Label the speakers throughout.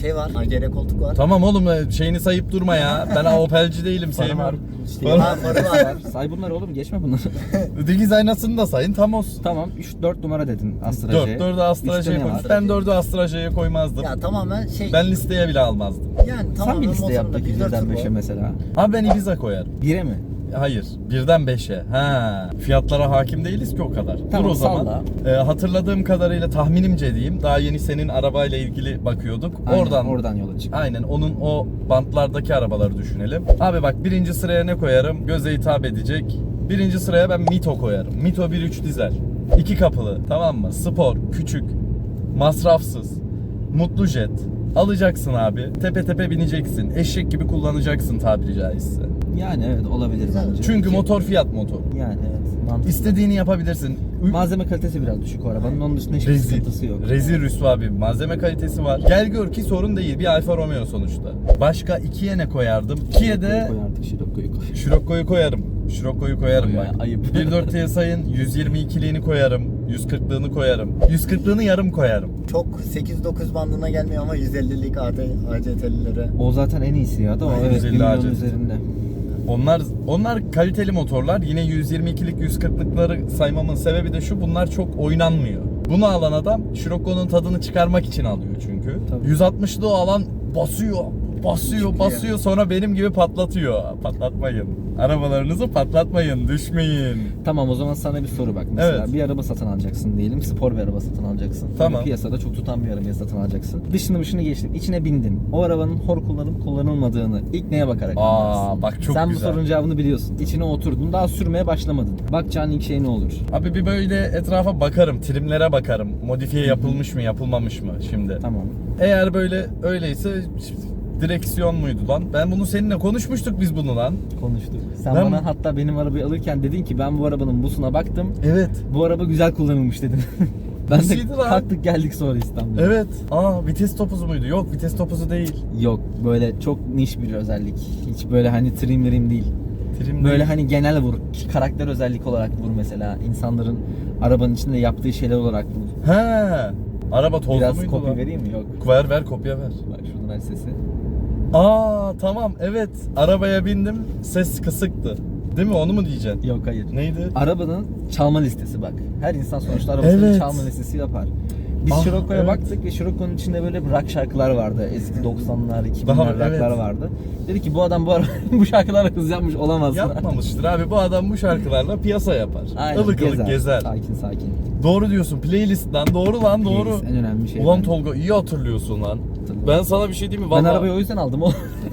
Speaker 1: şey var. AGR koltuk var.
Speaker 2: Tamam oğlum şeyini sayıp durma ya. Ben Opel'ci değilim, sevmiyorum.
Speaker 1: Farı var.
Speaker 3: Say bunları oğlum, geçme bunları.
Speaker 2: Dikiz aynasını da sayın, tam olsun.
Speaker 3: Tamam 4 numara dedin Astra J.
Speaker 2: 4'ü Astra J'ye koymuş. Ben 4'ü Astra J'ye koymazdım.
Speaker 1: Ya tamamen şey.
Speaker 2: Ben listeye bile almazdım.
Speaker 1: Yani
Speaker 3: Sen
Speaker 1: tamamen
Speaker 3: bir liste yap
Speaker 1: motorunda
Speaker 3: peki
Speaker 1: 1.4
Speaker 3: birden
Speaker 1: turbo.
Speaker 3: 5'e mesela.
Speaker 2: Abi ben Ibiza koyarım.
Speaker 3: 1'e mi?
Speaker 2: Hayır, birden 5'e. Ha, fiyatlara hakim değiliz ki o kadar.
Speaker 3: Tamam,
Speaker 2: Dur o zaman.
Speaker 3: salla.
Speaker 2: Hatırladığım kadarıyla, tahminimce diyeyim. Daha yeni senin arabayla ilgili bakıyorduk.
Speaker 3: Aynen, oradan yola çık.
Speaker 2: Aynen, onun o bantlardaki arabaları düşünelim. Abi bak, birinci sıraya ne koyarım? Göze hitap edecek. Birinci sıraya ben Mito koyarım. Mito 1.3 dizel. 2 kapılı, tamam mı? Spor, küçük, masrafsız, mutlu jet. Alacaksın abi. Tepe tepe bineceksin. Eşek gibi kullanacaksın tabiri caizse.
Speaker 3: Yani evet, olabilir bence.
Speaker 2: Çünkü
Speaker 3: Ki-
Speaker 2: motor fiyat motor.
Speaker 3: Yani evet, mantıklı.
Speaker 2: İstediğini yapabilirsin.
Speaker 3: Malzeme kalitesi biraz düşük o arabanın. Onun dışında hiçbir
Speaker 2: Rezil.
Speaker 3: sıkıntısı yok.
Speaker 2: Rezil rüsva bir malzeme kalitesi var. Gel gör ki sorun değil. Bir Alfa Romeo sonuçta. Başka 2'ye ne koyardım? 2'ye de
Speaker 3: Koyardık, Scirocco'yu koy.
Speaker 2: Scirocco'yu koyarım. Scirocco'yu koyarım
Speaker 3: Ya,
Speaker 2: bak.
Speaker 3: ayıp.
Speaker 2: 1.4 TSI'nin 122'liğini koyarım. 140'lığını koyarım. 140'lığını yarım koyarım.
Speaker 1: Çok 8-9 bandına gelmiyor ama 150'lik ACT'lilere.
Speaker 3: O zaten en iyisi ya da o, evet,
Speaker 2: 150
Speaker 3: 1 milyon
Speaker 2: acil.
Speaker 3: üzerinde.
Speaker 2: Onlar kaliteli motorlar. Yine 122'lik 140'lıkları saymamın sebebi de şu: bunlar çok oynanmıyor. Bunu alan adam Scirocco'nun tadını çıkarmak için alıyor çünkü.
Speaker 3: Tabii.
Speaker 2: 160'lı o alan basıyor,
Speaker 1: Çıkıyor.
Speaker 2: sonra benim gibi patlatıyor. Patlatmayın. Arabalarınızı patlatmayın, düşmeyin.
Speaker 3: Tamam, o zaman sana bir soru bak. Mesela
Speaker 2: Evet.
Speaker 3: bir araba satın alacaksın diyelim. Spor bir araba satın alacaksın.
Speaker 2: Tamam.
Speaker 3: Böyle piyasada çok tutan bir araba satın alacaksın. Dışını geçtin. İçine bindin. O arabanın hor kullanıp kullanılmadığını ilk neye bakarak anlarsın?
Speaker 2: Bak çok
Speaker 3: Sen
Speaker 2: güzel.
Speaker 3: bu sorunun cevabını biliyorsun. İçine oturdun. Daha sürmeye başlamadın. Bakacağın ilk şey ne olur?
Speaker 2: Abi bir böyle etrafa bakarım, trimlere bakarım. Modifiye yapılmış mı, yapılmamış mı şimdi.
Speaker 3: Tamam.
Speaker 2: Eğer böyle öyleyse direksiyon muydu lan? Ben bunu seninle konuşmuştuk biz bunu lan.
Speaker 3: Konuştuk. Sen
Speaker 2: Ben-
Speaker 3: bana hatta benim arabayı alırken dedin ki ben bu arabanın busuna baktım.
Speaker 2: Evet.
Speaker 3: Bu araba güzel kullanılmış dedin. Ben de
Speaker 2: Nasıldı lan?
Speaker 3: kalktık geldik sonra İstanbul'a.
Speaker 2: Evet. Vites topuzu muydu? Yok, vites topuzu değil.
Speaker 3: Yok, böyle çok niş bir özellik. Hiç böyle hani trim değil.
Speaker 2: Trim
Speaker 3: Böyle
Speaker 2: değil.
Speaker 3: hani genel vur. Karakter özellik olarak vur mesela. İnsanların arabanın içinde yaptığı şeyler olarak vur.
Speaker 2: He. Araba tozlu
Speaker 3: Biraz
Speaker 2: muydu
Speaker 3: kopya
Speaker 2: lan?
Speaker 3: vereyim mi? Yok.
Speaker 2: Ver kopya ver.
Speaker 3: Bak şuradan aç sesi.
Speaker 2: Tamam, evet. Arabaya bindim, ses kısıktı. Değil mi? Onu mu diyeceksin?
Speaker 3: Yok, hayır.
Speaker 2: Neydi?
Speaker 3: Arabanın çalma listesi bak. Her insan sonuçta arabasının
Speaker 2: Evet.
Speaker 3: çalma listesi yapar. Biz Scirocco'ya
Speaker 2: evet.
Speaker 3: baktık ve Scirocco'nun içinde böyle rock şarkılar vardı. Eski 90'lar, 2000'ler
Speaker 2: Daha-
Speaker 3: rock'lar
Speaker 2: evet.
Speaker 3: vardı. Dedi ki bu adam bu şarkılara hız yapmış olamaz.
Speaker 2: Yapmamıştır abi. Bu adam bu şarkılarla piyasa yapar.
Speaker 3: Aynen,
Speaker 2: Ilık ılık gezer.
Speaker 3: Sakin.
Speaker 2: Doğru diyorsun. Playlist lan. Doğru lan, doğru.
Speaker 3: Playlist en önemli şey.
Speaker 2: Ulan
Speaker 3: bence.
Speaker 2: Tolga, iyi hatırlıyorsun lan.
Speaker 3: Hatırlıyorum.
Speaker 2: Ben sana bir şey diyeyim mi?
Speaker 3: Ben
Speaker 2: Vallahi...
Speaker 3: arabayı o yüzden aldım oğlum.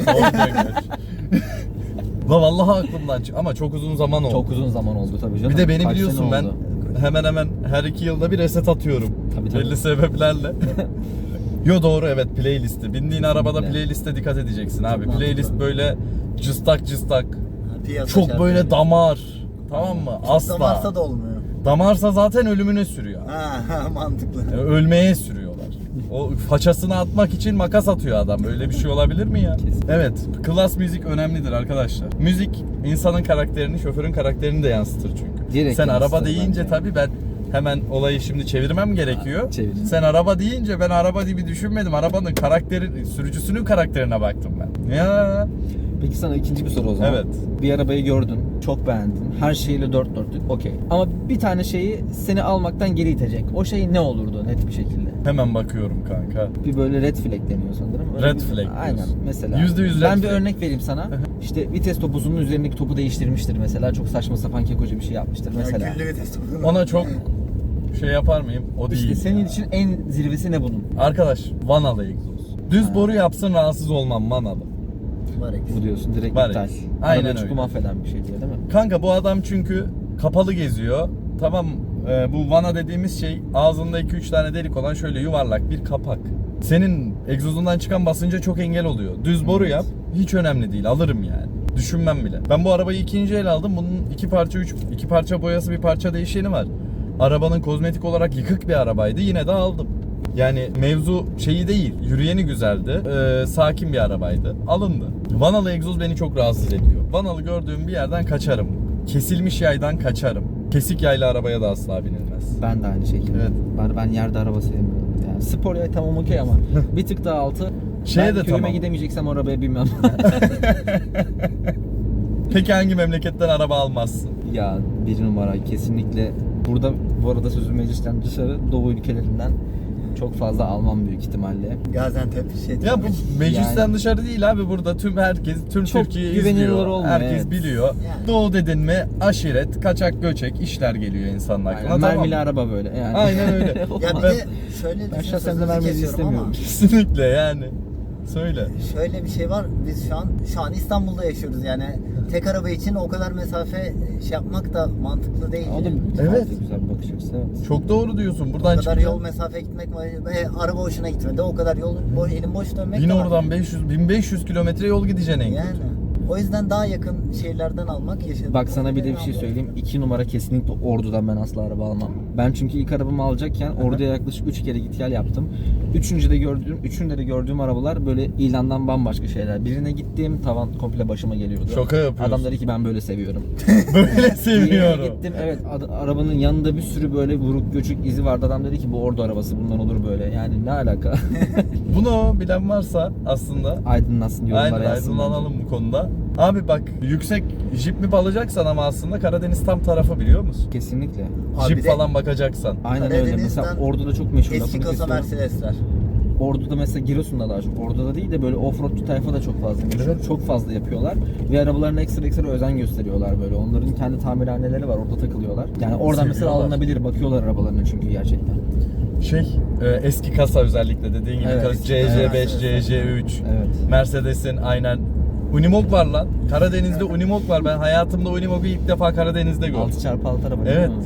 Speaker 2: La vallahi aklımdan çık. Ama çok uzun zaman oldu.
Speaker 3: Çok uzun zaman oldu tabii canım.
Speaker 2: Bir de beni
Speaker 3: Kaç
Speaker 2: biliyorsun,
Speaker 3: sene
Speaker 2: ben
Speaker 3: oldu?
Speaker 2: hemen her 2 yılda bir reset atıyorum.
Speaker 3: Tabii.
Speaker 2: Belli sebeplerle. Yo doğru, evet, playlisti. Bindiğin arabada
Speaker 3: Kesinlikle.
Speaker 2: playliste dikkat edeceksin abi.
Speaker 3: mantıklı.
Speaker 2: Playlist böyle cıstak.
Speaker 1: Piyasa
Speaker 2: Çok
Speaker 1: şartları.
Speaker 2: böyle damar. Tamam mı? Asla.
Speaker 1: Damarsa da olmuyor.
Speaker 2: Damarsa zaten ölümüne sürüyor.
Speaker 1: Mantıklı.
Speaker 2: Ölmeye sürüyorlar. O façasını atmak için makas atıyor adam. Öyle bir şey olabilir mi ya?
Speaker 3: Kesin.
Speaker 2: Evet. Klas müzik önemlidir arkadaşlar. Müzik insanın karakterini, şoförün karakterini de yansıtır çünkü.
Speaker 3: Direkt
Speaker 2: Sen araba
Speaker 3: yansıtır
Speaker 2: deyince
Speaker 3: bence.
Speaker 2: tabii ben hemen olayı şimdi çevirmem gerekiyor.
Speaker 3: Çevirin.
Speaker 2: Sen araba deyince ben araba gibi düşünmedim. Arabanın karakteri, sürücüsünün karakterine baktım ben. Ya.
Speaker 3: Peki sana ikinci bir soru o zaman.
Speaker 2: Evet.
Speaker 3: Bir arabayı gördün, çok beğendin. Her şeyle dört dörtlük, okey. Ama bir tane şeyi seni almaktan geri itecek. O şey ne olurdu net bir şekilde?
Speaker 2: Hemen bakıyorum kanka.
Speaker 3: Bir böyle red flag deniyor sanırım. Öyle
Speaker 2: Red
Speaker 3: bir-
Speaker 2: flag diyorsun.
Speaker 3: Aynen mesela.
Speaker 2: %100 red
Speaker 3: Ben bir
Speaker 2: flag.
Speaker 3: örnek vereyim sana. İşte vites topuzunun üzerindeki topu değiştirmiştir mesela. Çok saçma sapan kekoca bir şey yapmıştır mesela.
Speaker 1: Güllü vites.
Speaker 2: Ona çok şey yapar mıyım? O değil.
Speaker 3: İşte senin
Speaker 2: ya.
Speaker 3: için en zirvesi ne bunun?
Speaker 2: Arkadaş, vanalı egzoz. Düz boru yapsın, rahatsız olmam, vanalı.
Speaker 1: Var
Speaker 3: Bu diyorsun direkt
Speaker 2: Var
Speaker 3: iptal.
Speaker 2: eksi. Aynen
Speaker 3: Arabayı
Speaker 2: öyle.
Speaker 3: çünkü mahveden bir şey diyor değil mi?
Speaker 2: Kanka bu adam çünkü kapalı geziyor. Tamam, bu vana dediğimiz şey ağzında 2-3 tane delik olan şöyle yuvarlak bir kapak. Senin egzozundan çıkan basınca çok engel oluyor. Düz boru yap, hiç önemli değil, alırım yani. Düşünmem bile. Ben bu arabayı ikinci el aldım. Bunun iki parça boyası, bir parça değişeni var. Arabanın kozmetik olarak yıkık bir arabaydı. Yine de aldım. Yani mevzu şeyi değil, yürüyeni güzeldi, sakin bir arabaydı, alındı. Vanalı egzoz beni çok rahatsız ediyor. Vanalı gördüğüm bir yerden kaçarım. Kesilmiş yaydan kaçarım. Kesik yaylı arabaya da asla binilmez.
Speaker 3: Ben de aynı şekilde.
Speaker 2: Evet.
Speaker 3: Ben yerde araba sevmiyorum. Yani spor ya tamam okey ama bir tık daha altı.
Speaker 2: Şeye
Speaker 3: Ben
Speaker 2: de
Speaker 3: köyüme
Speaker 2: tamam.
Speaker 3: gidemeyeceksem arabaya binmem.
Speaker 2: Peki hangi memleketten araba almazsın?
Speaker 3: Ya bir numara kesinlikle. Burada bu arada sözüm meclisten dışarı Doğu ülkelerinden çok fazla almam büyük ihtimalle.
Speaker 1: Gaziantep şey.
Speaker 2: Ya bu meclisten
Speaker 3: Yani-
Speaker 2: dışarı değil abi, burada tüm herkes, tüm
Speaker 3: Çok
Speaker 2: Türkiye
Speaker 3: güvenilir
Speaker 2: izliyor.
Speaker 3: olmuyor,
Speaker 2: Herkes
Speaker 3: evet.
Speaker 2: biliyor.
Speaker 1: Yani.
Speaker 2: Doğu dedin mi aşiret, kaçak göçek işler geliyor insanın aklına.
Speaker 3: Aynen,
Speaker 2: Tamam.
Speaker 3: mermili araba böyle yani.
Speaker 2: Aynen öyle.
Speaker 1: Ya
Speaker 3: Olmaz.
Speaker 1: bir de şöyle
Speaker 3: Ben
Speaker 1: düşün,
Speaker 3: şahsen de
Speaker 1: sözünüzü
Speaker 3: vermeyi
Speaker 1: kesiyorum
Speaker 3: istemiyorum.
Speaker 1: ama
Speaker 2: Kesinlikle yani. Söyle.
Speaker 1: şöyle bir şey var. Biz şu an İstanbul'da yaşıyoruz yani. Tek araba için o kadar mesafe şey yapmak da mantıklı değil.
Speaker 3: O da
Speaker 2: Evet.
Speaker 3: farklı güzel bir bakış açısı. Evet.
Speaker 2: Çok doğru diyorsun.
Speaker 1: O
Speaker 2: Buradan
Speaker 1: kadar
Speaker 2: çıkıyor.
Speaker 1: yol mesafe gitmek araba hoşuna gitmedi. O kadar yol elin boş dönmek
Speaker 2: Bin
Speaker 1: de var.
Speaker 2: oradan 1500 kilometre yol gideceksin en
Speaker 1: Yani.
Speaker 2: kötü.
Speaker 1: O yüzden daha yakın şehirlerden almak yaşadığım.
Speaker 3: Bak sana bir de bir şey söyleyeyim. 2 numara kesinlikle Ordu'dan ben asla araba almam. Ben çünkü ilk arabamı alacakken Ordu'ya yaklaşık 3 kere git gel yaptım. Üçünde de gördüğüm arabalar böyle ilandan bambaşka şeyler. Birine gittim tavan komple başıma geliyordu.
Speaker 2: Şaka yapıyorsun.
Speaker 3: Adam dedi ki ben böyle seviyorum.
Speaker 2: Böyle
Speaker 3: Diğerine
Speaker 2: seviyorum.
Speaker 3: gittim evet arabanın yanında bir sürü böyle vuruk göçük izi vardı. Adam dedi ki bu Ordu arabası bundan olur böyle. Yani ne alaka?
Speaker 2: Bunu bilen varsa aslında
Speaker 3: Aydınlansın yorumlara
Speaker 2: aynen
Speaker 3: yazsın.
Speaker 2: aydınlanalım bu konuda. Abi bak, yüksek jip mi alacaksan ama aslında Karadeniz tam tarafı biliyor musun?
Speaker 3: Kesinlikle.
Speaker 1: Abi
Speaker 2: Jip
Speaker 1: bir de
Speaker 2: falan bakacaksan.
Speaker 3: Aynen öyle. Mesela
Speaker 1: Karadeniz'den
Speaker 3: Ordu'da çok meşhur.
Speaker 1: eski
Speaker 3: lafını
Speaker 1: kasa
Speaker 3: kesiyorum.
Speaker 1: Mercedesler.
Speaker 3: Ordu'da mesela Giresun'da daha çok. Ordu'da değil de böyle offroadçu tayfa da çok fazla meşhur.
Speaker 2: Evet.
Speaker 3: Çok fazla yapıyorlar. Ve arabalarına ekstra özen gösteriyorlar böyle. Onların kendi tamirhaneleri var. Orada takılıyorlar. Yani oradan mesela
Speaker 2: Seviyorlar.
Speaker 3: alınabilir. Bakıyorlar arabalarına çünkü gerçekten.
Speaker 2: Eski kasa özellikle dediğin gibi
Speaker 3: Evet,
Speaker 2: kasa
Speaker 1: eski
Speaker 2: CC5,
Speaker 1: kasa.
Speaker 2: CC3,
Speaker 3: Evet.
Speaker 2: Mercedes'in aynen. Unimog var lan. Karadeniz'de Unimog var. Ben hayatımda Unimog'u ilk defa Karadeniz'de gördüm.
Speaker 3: 6x6 araba
Speaker 2: Evet.
Speaker 3: değil mi?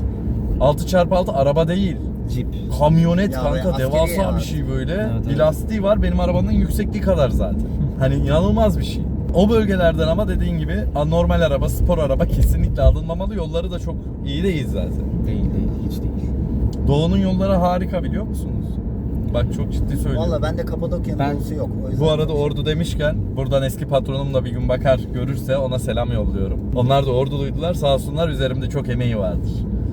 Speaker 2: 6x6 araba değil.
Speaker 3: Jeep.
Speaker 2: Kamyonet
Speaker 1: Ya
Speaker 2: kanka,
Speaker 1: askeri
Speaker 2: devasa
Speaker 1: ya.
Speaker 2: bir şey böyle.
Speaker 3: Evet,
Speaker 2: Bir
Speaker 3: evet.
Speaker 2: lastiği var, benim arabanın yüksekliği kadar zaten. Hani inanılmaz bir şey. O bölgelerden ama dediğin gibi normal araba, spor araba kesinlikle alınmamalı. Yolları da çok iyi değil zaten.
Speaker 3: Değil hiç değil.
Speaker 2: Doğu'nun yolları harika, biliyor musunuz? Bak çok ciddi söylüyorum.
Speaker 1: Valla bende Kapadokya'nın
Speaker 3: Ben-
Speaker 1: dolusu yok. O yüzden
Speaker 2: Bu arada Ordu demişken buradan eski patronum da bir gün bakar görürse ona selam yolluyorum. Onlar da Orduluydular, sağ olsunlar, üzerimde çok emeği vardır.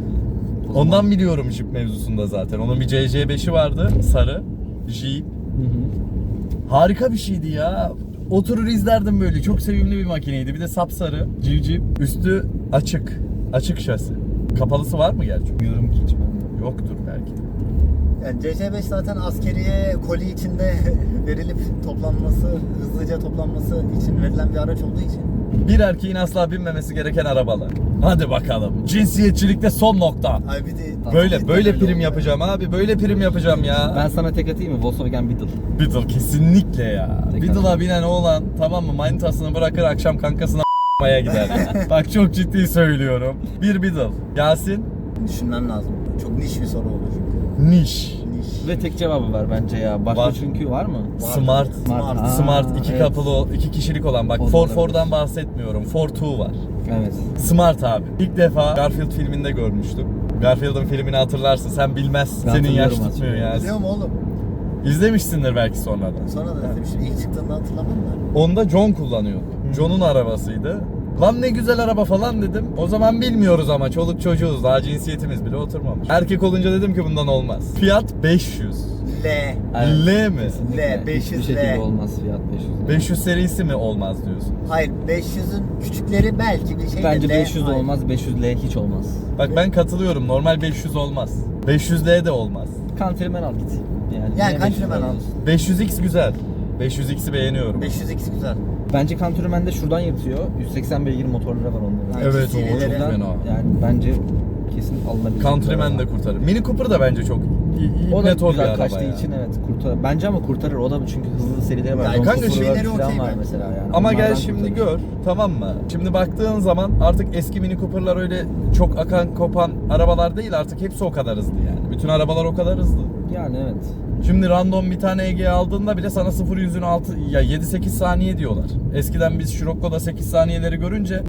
Speaker 3: O zaman-
Speaker 2: Ondan biliyorum Jeep mevzusunda zaten. Onun bir CC5'i vardı, sarı Jeep.
Speaker 3: Hı hı.
Speaker 2: Harika bir şeydi ya. Oturur izlerdim böyle. Çok sevimli bir makineydi. Bir de sapsarı, civciv. Üstü açık. Açık şasi. Kapalısı var mı gerçi?
Speaker 3: Bilmiyorum ki hiç ben de.
Speaker 2: Yoktur belki de.
Speaker 1: yani CC5 zaten askeriye koli içinde verilip toplanması, hızlıca toplanması için verilen bir araç olduğu için.
Speaker 2: Bir erkeğin asla binmemesi gereken arabalar. Hadi bakalım. Cinsiyetçilikte son nokta.
Speaker 1: Ay bir de
Speaker 2: Böyle prim
Speaker 1: oldu.
Speaker 2: yapacağım abi. Böyle prim yapacağım ya.
Speaker 3: Ben sana tek atayım mı? Volkswagen Beetle.
Speaker 2: Beetle kesinlikle ya.
Speaker 3: Tek
Speaker 2: Beetle'a
Speaker 3: adam.
Speaker 2: binen oğlan tamam mı, manitasını bırakır akşam kankasına a**maya gider. Bak çok ciddi söylüyorum. Bir Beetle. Yasin?
Speaker 1: Düşünmem lazım. Çok niş bir soru olur çünkü.
Speaker 2: Niş.
Speaker 1: Niş.
Speaker 3: Ve tek cevabı var bence ya. Başka
Speaker 2: Var.
Speaker 3: çünkü var mı?
Speaker 2: Smart.
Speaker 1: Smart.
Speaker 3: Aa,
Speaker 2: Smart, iki
Speaker 3: evet.
Speaker 2: kapılı, iki kişilik olan. Bak
Speaker 3: O da
Speaker 2: 4'dan
Speaker 3: olabilir.
Speaker 2: bahsetmiyorum. 4-2 var.
Speaker 3: Evet.
Speaker 2: Smart abi. İlk defa Garfield filminde görmüştüm. Garfield'ın filmini hatırlarsın. Sen bilmezsin.
Speaker 3: Ben
Speaker 2: Senin yaş
Speaker 3: hatırlıyorum,
Speaker 2: tutmuyor ya.
Speaker 1: Biliyorum oğlum.
Speaker 2: İzlemişsindir belki sonradan.
Speaker 1: Sonra da izlemiştim. İlk çıktığında hatırlamam da.
Speaker 2: Onda John kullanıyordu. John'un arabasıydı. Lan ne güzel araba falan dedim. O zaman bilmiyoruz ama çoluk çocuğuz. Daha cinsiyetimiz bile oturmamış. Erkek olunca dedim ki bundan olmaz. Fiyat 500.
Speaker 1: L.
Speaker 2: L mi?
Speaker 3: Kesinlikle.
Speaker 1: L, 500
Speaker 3: Hiçbir şekilde
Speaker 1: L.
Speaker 3: olmaz fiyat 500.
Speaker 2: 500 serisi mi olmaz diyorsun?
Speaker 1: Hayır 500'ün küçükleri belki bir şey de
Speaker 3: Bence
Speaker 1: L.
Speaker 3: 500
Speaker 1: Hayır.
Speaker 3: olmaz, 500L hiç olmaz.
Speaker 2: Bak ben katılıyorum. Normal 500 olmaz. 500L de olmaz.
Speaker 3: Countryman al git.
Speaker 1: Yani
Speaker 3: niye
Speaker 1: Countryman
Speaker 3: 500L
Speaker 1: al.
Speaker 3: diyorsun?
Speaker 2: 500X güzel. 500X'i beğeniyorum.
Speaker 1: 500X güzel.
Speaker 3: Bence Countryman de şuradan yırtıyor. 180 beygir motorları var onların.
Speaker 1: Evet,
Speaker 2: Evet o
Speaker 1: serileri-
Speaker 2: çok
Speaker 3: Şuradan
Speaker 2: fena.
Speaker 3: yani bence kesin alınabilecek.
Speaker 2: Countryman
Speaker 3: bir
Speaker 2: de
Speaker 3: araba.
Speaker 2: kurtarır. Mini Cooper da bence çok iyi.
Speaker 3: O da
Speaker 2: net bir
Speaker 3: güzel
Speaker 2: araba
Speaker 3: kaçtığı
Speaker 2: ya.
Speaker 3: için evet kurtarır. Bence ama kurtarır. O da çünkü hızlı serileri var.
Speaker 1: Ya
Speaker 3: John
Speaker 2: kanka
Speaker 3: Cooper'lar
Speaker 1: şeyleri
Speaker 3: falan
Speaker 1: okey
Speaker 3: var
Speaker 1: bence.
Speaker 3: mesela yani.
Speaker 2: Ama gel
Speaker 3: Onlardan
Speaker 2: şimdi
Speaker 3: kurtarır.
Speaker 2: gör, tamam mı? Şimdi baktığın zaman artık eski Mini Cooper'lar öyle çok akan kopan arabalar değil, artık hepsi o kadar hızlı yani. Bütün arabalar o kadar hızlı.
Speaker 3: Yani evet.
Speaker 2: Şimdi random bir tane Ege aldığında bile sana 0-100'ün 7-8 saniye diyorlar. Eskiden biz Scirocco'da 8 saniyeleri görünce